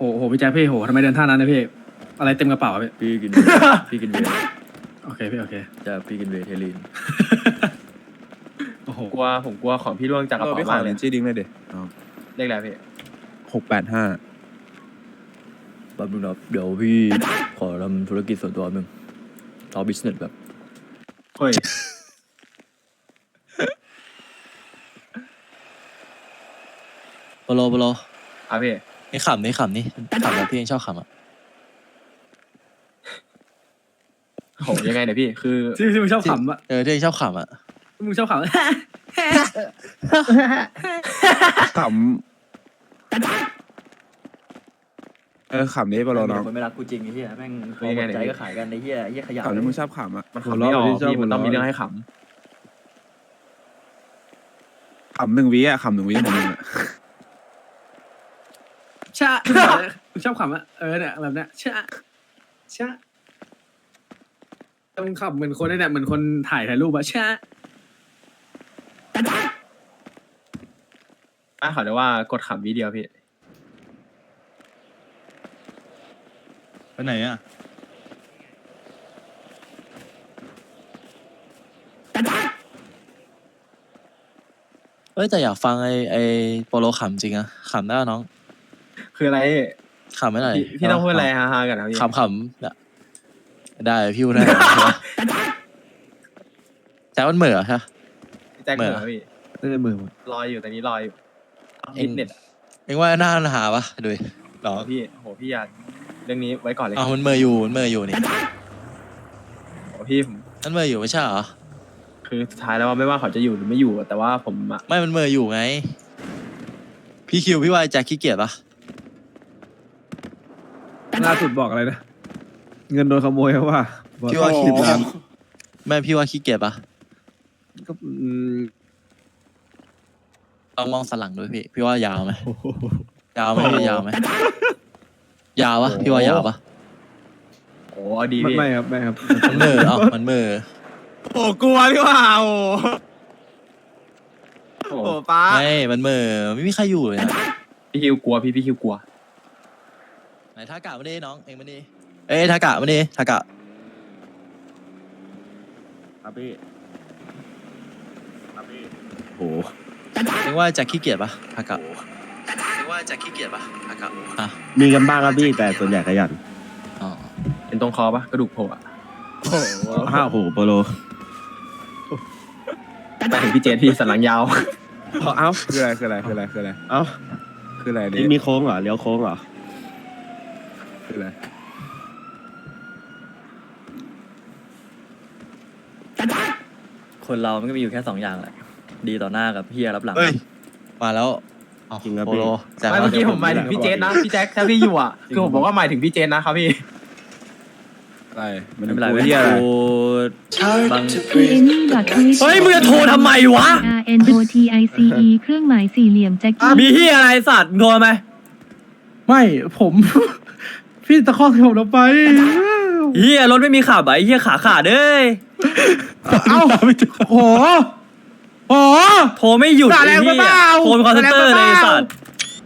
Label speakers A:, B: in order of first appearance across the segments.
A: โหพี่แจ็คพี่โหทำไมเดินท่านั้นนะพี่อะไรเต็มกระเป๋าพี่
B: พี่กิน พี่กินเวย์
A: โอเคพี่โอเค
B: จะพี่กินเวย์เทลีน
A: โอ้โห
C: ผมกลัวของพี่ร่วงจากกระเป๋ามากเลย
D: ชื่อดิ้งเลยเด็
C: เลขอะไรพี่
D: 685
B: แป๊บนึงนะเดี๋ยวพี่ขอทำธุรกิจส่วนตัวหนึ่งเอาบิสเนสแบบ
C: เฮ้ย
E: โปโล
C: อ่ะพี่
E: นี่ขำนี่แบบพี่ยังชอบขำอ่ะ
C: โหยังไงเนี่ยพี่คือ
A: ที่มึงชอบขำอะ
E: ที่ยังชอบขำอ่ะ
A: มึงชอบขำ
D: ขำขำนี้ปะโลน้อง
B: คนไม่รักกูจริงไอ้เหี้ยแม่งพอหมดใจก็ขายกันไอ้เหี้ยขยะ
D: ขำนี้มึงชอบขำอ่ะ
C: มันขำไม่ออกพี่มันต้องมีเรื่องให้ข
D: ขำ1 วิอ่ะขำ1 วิของมึงอ่ะ
A: ชะมึงชอบขำอะเนี่ยแบบเนี้ยชะมึงขำเหมือนคนเนี่ยเหมือนคนถ่ายรูปอะชะ
C: ำขอเรียกว่ากดขำวิเดียวพี่
E: ไปไหนอ่ะเอ้ยแต่อยากฟังไอโปโลขำจริงอะขำได้น้อง
C: คืออะไร
E: ขำไม่หน่อย
C: พี่ต้องพูดอะไรฮาๆกันนะพี่
E: ขำได้พี่พูดได้แจ็คมันเหม่อใช่
C: แจ็คเหมือนพี่
D: น่าจะมือ
C: รออยู่ตอนนี้รออยู่ฟิตเนส
E: เอ็งว่าหน้ามันหาปะดูดิหรอ
C: พี่โหพี่อย่าเรื่องนี้ไว้ก่อนเลย
E: อ้าวมันเหม่ออยู่นี่
C: โหพี่ผม
E: มันเหม่ออยู่ไม่ใช่เหรอ
C: คือสุดท้ายแล้วว่าไม่ว่าเขาจะอยู่หรือไม่อยู่แต่ว่าผมอะ
E: ไม่มันเหม่ออยู่ไงพี่คิวพี่ว่าแจ็คขี้เกียจปะ
F: ล่าสุดบอกอะไรนะ เงินโดนขโมยว่า
E: พี่ว่าขี้เกียจไม่พี่ว่าขี้เกียจปะ
F: ก็
E: ลองมองสนหลังดูพี่ว่ายาวไหมยาวไหมยาวไหมยาวปะพี่ว่ายาวปะ
C: โหเอาดีพี่
F: ไม่ครับไม่ครับ
E: มันเหม่อมันเหม่อ
D: โอ้กลัวพี่ว่าโอ้
C: โอ้
D: โหป้า
E: ไม่มันเหม่อไม่มีใครอยู่เลยนะ
C: พี่คิวกลัวพี่คิวกลัว
E: ไหนทากะมาดิน้องเองมาดิเอ้ยทากะมาดิทากะ
D: ครับพี่โห
E: เองว่าแจ็คขี้เกียจปะทากะเองว่าแจ็คขี้เกียจปะทากะอ่ะ
F: มีกันบ้างครับพี่แต่ส่วนใหญ่ขยัน
E: อ๋อ
C: เป็นตรงคอปะกระดูกโผล่อะ
F: โหโปโล
C: ไปถึงพี่เจษพี่สันหลังยาว
D: เอ้าคืออะไร
F: เอ้า
D: คืออะไร
F: นี่มีโค้งเหรอเลี้ยวโค้งเหรอ
D: คืออะไร
B: คนเรามันก็มีอยู่แค่2อย่างแหละดีต่อหน้ากับเหี้ยรับหลัง
E: เฮ้ยมาแล้ว
F: จริงครับ
E: โป
F: พี่
E: โลแจ็ค
C: ไม่เมื่อกี้ผมหมายถึงพี่เจษนะพี่แจ็คถ้าพี่อยู่อ่ะคือผมบอกว่าหมายถึงพี่เจษนะครับพี่
D: อะไรมัน
B: ไม่เป็นไร
D: กู
B: เว้ย
D: เหี้ยอะไร
B: กูบาง
G: เฮ้ยมึงจะโทรทำไมวะ
H: R N O T I C E เครื่องหมายสี่เหลี่ยมแจ็คกี้
G: มีที่อะไรสัตว์มึงโทรทำไม
F: ไม่ผม พี่ตะคอกผมลงไป
G: เฮียรถไม่มีขับอ่ะไอ้เฮียขาขาดเอ้ย
F: เอ้าโหโห
G: โทรไม่หยุด
F: ด่า
G: ไอ้
F: แรงไป
G: เฮี
F: เป
G: ย
F: ล่า
G: โทรเป็นคอนเซนเตอร์
F: ด่า
G: เล
F: แรง
G: ย
F: ไปเปล่า
G: สัตว์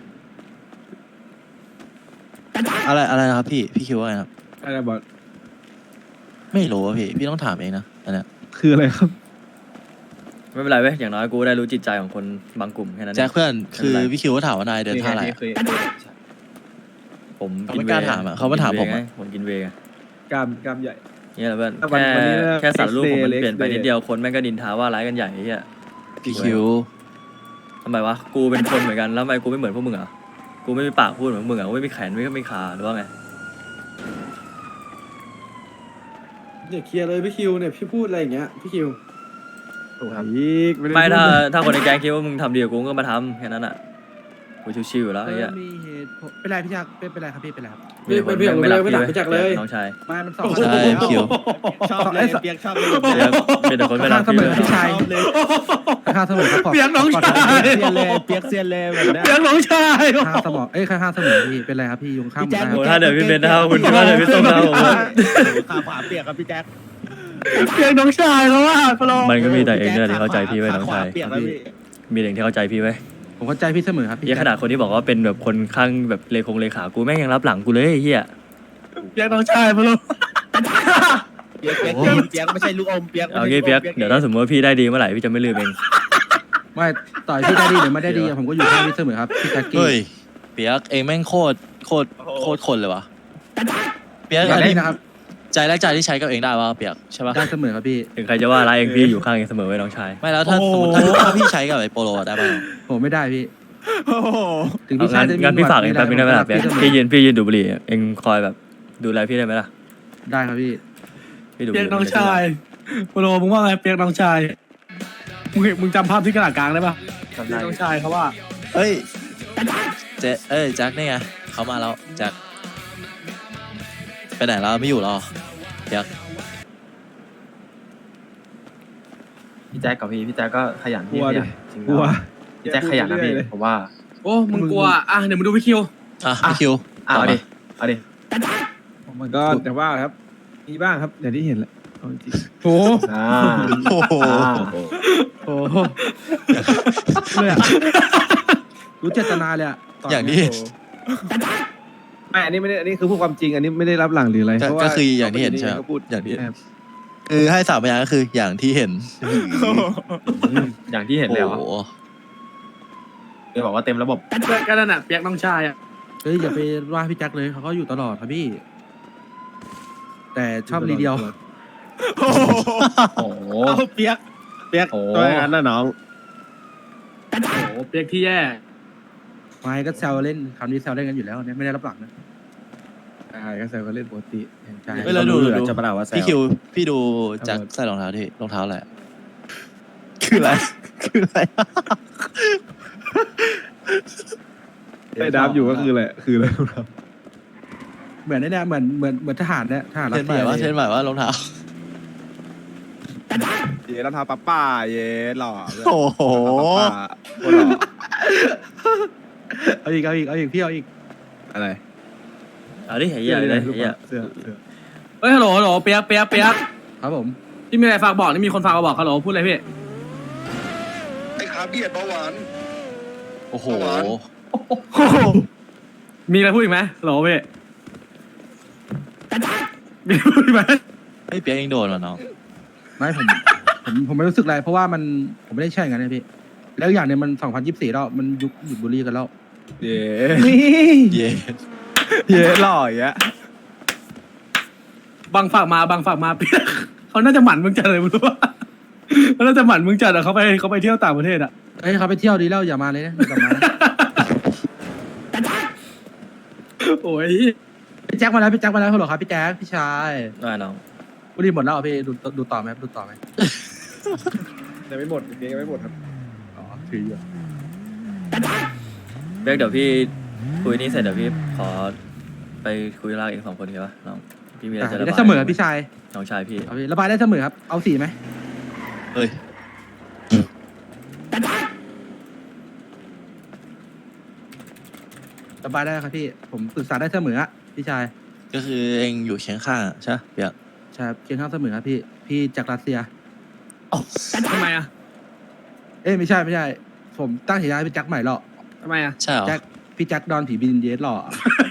E: อะไรนะครับพี่คิดว่าไงครับ
F: อะไรบอส
E: ไม่รู้อะพี่ต้องถามเองนะอันเนี้ย
F: คืออะไรครับ
B: ไม่เป็นไรเว้ยอย่างน้อยกูได้รู้จิตใจของคนบางกลุ่มแค่นั้นเอ
E: แจ็ค
B: ง
E: เพื่อนคือพี่คิวก็ถามว่านายเดินท่าอะไร
C: นี่
E: อะ
C: คือ
B: ผม
E: เขาไม่กล้าถามอะเขามาถามผมอะ
B: ผมกินเวย์ไง
F: กล้ามใหญ่
B: เนี่ยแหละเพื่อน
F: วันนี้
B: แค่สารรูปผมมัน
F: X-Day
B: เปลี่ยนไปนิดเดียวคนแม่งก็ดินท้าว่าร้ายกันใหญ่ไอ้เหี้ย
E: พี่คิว
B: ทำไมวะกูเป็นคนเหมือนกันแล้วทำไมกูไม่เหมือนพวกมึงอ่ะกูไม่มีปากพูดเหมือนมึงอ่ะกูไม่มีแขนไม่มีขาหรือว่าไง
A: เนี่ยเคลียร์เลยพี่คิวเนี่ยพี่พูดอะไรอย่างเงี้ยพี่คิว
C: ถูกครับ
F: อีกด้
B: ไม่
F: พูด
B: ถ้าคนในแก๊งคิดว่ามึงทำดีกับกูก็มาทำแค่นั้นอ่ะกูชิวๆอยู่แล้วไอ้เหี้ย
F: มีเหตุผลเป็นไรพี่ยักษ์เป็นไรครับพี่เป็นไรครับ
A: ไม่ด่าพี่แจ็คเลย
B: น้องชาย
F: ไม่มันสอง
E: ใช่พี่คิว
F: ชอบเลยเปียกชอบเลย
B: เป็นแต่คนไม่รัก
F: เสมอพี่ชายข้างเสมอครับเปียกน้องชายเปียกเซียนเลยแบบนี้
A: เสียงน้องชาย
F: ข้างเสมอข้างเสมอพี่เป็นไรครับพี่ยุงข้าง
B: โอ้ถ้าเดี๋ยวพี่เบนนะครับคุณถ้าเดี๋ยวพี่ต้มนะครับผม
F: ขาขวาเปียกครับพี่แจ็ค
A: เสียงน้องชายเขาว่าพลอ
B: มันก็มีแต่เองเนี่ยที่เข้าใจพี่ไว้น้องชาย
F: เปียกแล้วพี่
B: มีเองที่เข้าใจพี่ไว้
F: ผมเข้าใจพี่เสมอครับพี่
B: เหี้ยขนาดคนที่บอกว่าเป็นแบบคนข้างแบบเลขากูแม่งยังรับหลังกูเลยไอ้เหี้ย
A: เปียกน้องชายมาลูก
C: เปียกไม่ใช่ลูกอมเปียก
B: เอางี้เปียกเดี๋ยวถ้าสมมติว่าพี่ได้ดีเมื่อไหร่พี่จะไม่ลืมเอง
F: ไม่ต่อยพี่ได้ดีหรือไม่ได้ดีผมก็อยู่ข้างพี่เสมอครับพี่แจ็คกี้
E: เฮ้ยเปียกเองแม่งโคตรคนเลยวะเปียก
F: อย่า
E: อัน
F: เล่
E: นี้
F: นนะครับ
E: ใจแรกใจที่ใช้กับเองได้วะเปียกใช่ปะ
F: ได้เสมอครับพี่
B: ถึงใครจะว่าอะไรเองพี่อยู่ข้างเองเสมอไว้น้องชาย
E: ไม่แล้วถ้าสมมติถ้าพี่ใช้กับไอ้โปโลได้ป่ะ
F: ผมไม่ได้พี่
D: โอ้โห
F: ถึงพี่ชายจะมี
B: งั้นพี่ฝากเองแป๊บนึงได้ไหมล่ะ
F: ผ
B: เปียก
F: เสมอ
B: พี่ยืนดูบุหรี่เองคอยแบบดูแลพี่ได้ไหมล่ะ
F: ได้ครับพี่
B: พี่ดูบุห
A: เปีย
B: รี่
A: กน้องชายโปโลมึงว่าไงเปียกน้องชายมึงจำภาพที่กระดาษกลางได้ปะเปียกน้องชายเขาว่า
E: เฮ้ยแจ็คนี่ไงเขามาแล้วแจ็คไปไหนแล้วไม่อยู่หรอเปียก
C: พี่แจ็คกับพี่แจ็คก็ขยัน
D: ก
C: พี่
D: ลัว
C: ข
D: ดิ
C: ยันจริง
D: กลัว
C: พี่แจ็คขยันนะพี่ผมว่า
A: โอ้มึงกลัวอ่ะเดี๋ยวมาดูพี่คิว
E: อ่ะพี่คิว
C: เอาดิเอาดิ
D: มันก็แต่ว่าครับมีบ้างครับอย่างที่เห็นแหละเอาจริง
F: โอ้
C: อ่า
E: โอ้โห
F: โหเลยอะรู้เจตนาเลยอะตน
E: อย่าง
F: นี้
E: ที่
D: ไม่อันนี้ไม่ได้อันนี้คือพูดความจริงอันนี้ไม่ได้รับหลังหรืออะไรเพราะว่า
E: ก็คืออย่างที่เห็นใช่ไหม
D: ก็พูด
E: อย่างที่
D: ครับ
E: คือให้สามพยางค์ก็คืออย่างที่เห็น
C: อย่างที่เห็นเลยเหรอ
E: โอ้โห
C: เดี๋ยวบอกว่าเต็มระบบ
A: ก็นั่นน่ะเปียกน้องชายอ่ะ
F: เฮ้ยอย่าไปว่าพี่แจ็คเลยเขาก็อยู่ตลอดครับพี่ แต่ชอบรีเดียว
C: โอ้โห
A: เอาเปียก
C: โอ้
D: ตัวอย่างนั้นนะน้อง
A: โอ้โหเปียกที่แย่
F: ไม่ก็แซวเล่นคำนี้แซวเล่นกันอยู่แล้วเนี่ยไม่ได้รับหลังนะ
D: ใช่ก็แซวก็เล่นปกติ
F: ใช่
E: เฮ้ยแล้วดู
D: จะประดาว่าแซว
E: พี่คิวพี่ดูแจ็คใส่รองเท้าที่รองเท้าอะไรคืออะไรคืออะไร
D: ไอ้ดับอยู่ก็คืออะไรคืออะไรครับ
F: เหมือนไอ้เนี่ยเหมือนทหารเนี่ยทหารรั
E: เท
F: ส
E: นให
F: เซี
E: ม่
F: ย
E: ว่า
F: เลย
E: เทนใหม่ว่ารองเท้า
D: เย้รองเท้าป้าป้าเย้หล่อ
E: โอ้โห
D: โคตรหล่อ
F: เอาอีกพี่เอาอีก
D: อะไร
B: เอาดิไอ้เหี้ยเลยไอ้เหี้ย
D: เสื้อ
A: เฮ้ยฮัลโหลเปียก
F: ครับผม
A: ที่มีอะไรฝากบอกนี่มีคนฝากมาบอกฮัลโหลพูดอะไรพี่
I: ไอ้ขาเบียดเบาหวาน
E: โอ้โห
A: มีอะไรพูดอีกไหมฮัลโหลพี่มีอะไรพูดอีกไหม
E: ไอ้เปียกยังโดนว่ะน้อง
F: ไม่ผมไม่รู้สึกอะไรเพราะว่าผมไม่ได้ใช่อย่างนั้นนะพี่แล้วอย่างเนี่ยมัน2024แล้วมันยุคหยุดบุหรี่กันแล้ว
D: เย้
F: นี่
E: เย่
D: เย้หล่ออย่างเงี้ย
A: บังฝากมาเปียกเขาน่าจะหมั่นมึงจัดเลยมึงรู้ป่ะเขาน่าจะหมั่นมึงจัดอะเขาไปเที่ยวต่างประเทศอะ
F: เฮ้ยเขาไปเที่ยวดีแล้วอย่ามาเลยนะอย่ากลับมานะ
A: โอ้ย
F: พี่แจ็คมาแล้วฮัลโหลครับพี่แจ็คพี่ชาย
B: ได้น้อง
F: บุหรี่หมดแล้วเหรอพี่ดูต่อไหมดูต่อไหม
D: ยังไม่หมดยังไม่หมดครับ
F: อ๋อถืออยู่
B: เปียกเดี๋ยวพี่คุยนี่เสร็จเดี๋ยวพี่ขอไปคุยรากเอง2 คนโอเคปะน้องพี่มีอะไรจะระบาย
F: ได้เสมอพี่ชาย
B: น้องชายพี่
F: เอาพี่ระบายได้เสมอครับเอาสีไหม
E: เฮ้ย
F: ระบายได้ครับพี่ผมปรึกษาได้เสมออะพี่ชาย
E: ก็คือเองอยู่เคียงข้างอะใช่ปะเปียก
F: ใช่ครับเคียงข้างเสมอครับพี่จากรัสเซีย
A: ทำไมอะ
F: เอ้ยไม่ใช่ผมตั้งฉายาให้พี่แจ็คใหม่หรอก
A: ทำไมอะ
E: ใช่เหรอ
F: แจ็คพี่แจ็คดอนผีบินเยสหล่อ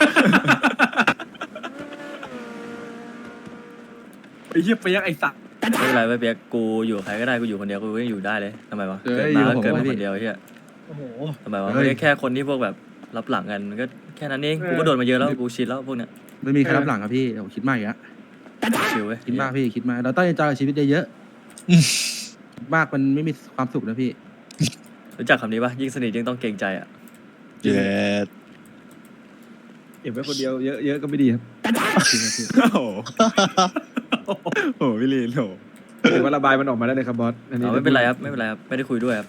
A: ไอ้เหี้ยเปียกไอ้สัตว์
B: ไม่เป็นไรเว้ยเปียกกูอยู่กับใครก็ได้กูอยู่คนเดียวกูก็ยังอยู่ได้เลยทำไมวะ
F: เอ้
B: เกิด
F: ย
B: มา
F: อยู่
B: ก็
F: ผม
B: เกิดมา
F: ว่าพี่
B: คนเดียวไอ้เหี้ย
A: โอ้โห
B: ทำไมวะ
F: เฮ้ย
B: ไม่ใช่แค่คนที่พวกแบบรับหลังกันมันก็แค่นั้นเองกูก็โดนมาเยอะแล้วกูชินแล้วพวกเนี้ย
F: ไม่มีใครรับหลังครับพี่ผมคิดมากอีกแล้ว
B: ชิลเว้ย
F: คิดมากพี่คิดมากเราต้องเอนจอยกับชีวิตเยอะๆคิดมากมันไม่มีความสุขนะพี่
B: รู้จักคำนี้ปะยิ่งสนิทยิ่งต้องเกรงใจอ่ะ
E: เย็ด
D: เก็บไว้คนเดียวเยอะก็ไม่ดีครับ
F: จริงครับพี่
D: โอ้โหโอ้โหพี่ลีนโหถือว่าระบายมันออกมาได้เลยครับบอสอันนี้
B: เอาไม่เป็นไรครับไม่เป็นไรครับไม่ได้คุยด้วยครับ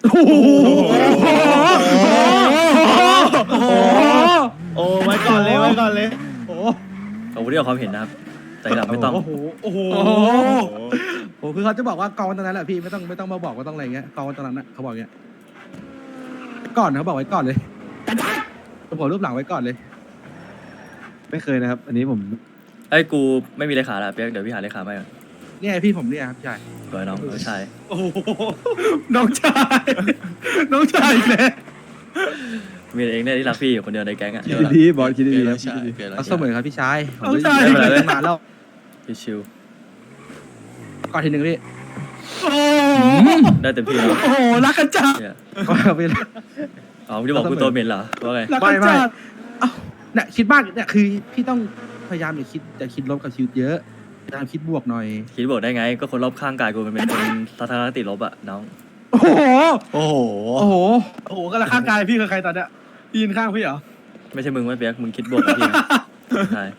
D: โอ้ไว้ก่อนเลย
B: ขอบคุณที่ออกความเห็นนะครับแต่หลังไม่ต้อง
A: โอ้โห
F: โอ้โหคือเขาจะบอกว่ากองตรงนั้นแหละพี่ไม่ต้องมาบอกว่าต้องอะไรเงี้ยกองตรงนั้นนะเขาบอกเงี้ยก่อนเขาบอกไว้ก่อนเลยผมรูปหลังไว้ก่อนเลย
D: ไม่เคยนะครับ อันนี้ผม
B: ไอ้ยกูไม่มีเลขาละเปียกเดี๋ยวพี่หาเลขามาก่อน
F: เนี่ยพี่ผมเนี่ยครับพี่ชาย
B: ก่อนน้องชาย
A: โอ้โหน้องชายอีกแล้ว
B: มีเองเนี่ยที่รักพี่อยู่คนเดียวในแก๊งอ่ะ
D: คิดดีๆบอสคิด
E: เกิ
D: ดี
E: น
D: ๆ
E: แล้
D: นะ
E: วใช่
D: คิดดี
E: เกินแล้ว
F: เอาเส
E: ใช่
F: มอครับพี่ชายผม
A: น้องชาย
F: ไม่ได้มาแล้ว
B: ชิว
F: ก่อนทีหนึ่งพี่
A: โอ้โห
B: ๆได้เต็มที่แล้ว
A: โอ้โหรักกันจัด
B: เนี่ย
F: ไม่ได้
B: อ๋อมึงจะบอกกูตัวเหม็นเหรอว่าไง
A: รักกันจัด
F: เอ้าเนี่ยคิดมากเนี่ยคือพี่ต้องพยายามอย่าคิดลบกับชีวิตเยอะพยายามคิดบวกหน่อย
B: คิดบอกได้ไง ก็คนรอบข้างกายกูมันเป็นคนทัศนคติลบอ่ะน้อง
F: โอ้โห
E: โอ้โห
F: โอ้โห
A: โอ้โหก็ละข้างกายพี่คือใครตอนเนี้ยยืนข้างพี่เหรอ
B: ไม่ใช่มึงไม่เปียกมึงคิดบวกกับพี่ใช่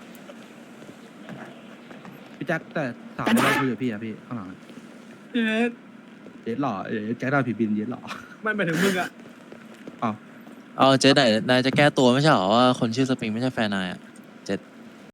F: พี่แจ็คแต่สาวไม่ได้คุยกับพี่อะพี่ข้างหลังอะ
A: เอ๊ะ
F: เย็ดหล่อแจ็คดาวผีบินเย็ดหล่อ
A: ไม่หมายถึงมึงอะ
E: เอาเจ๊ไหนนายจะแก้ตัวไม่ใช่เหรอว่าคนชื่อสปริงไม่ใช่แฟนนายอ่ะ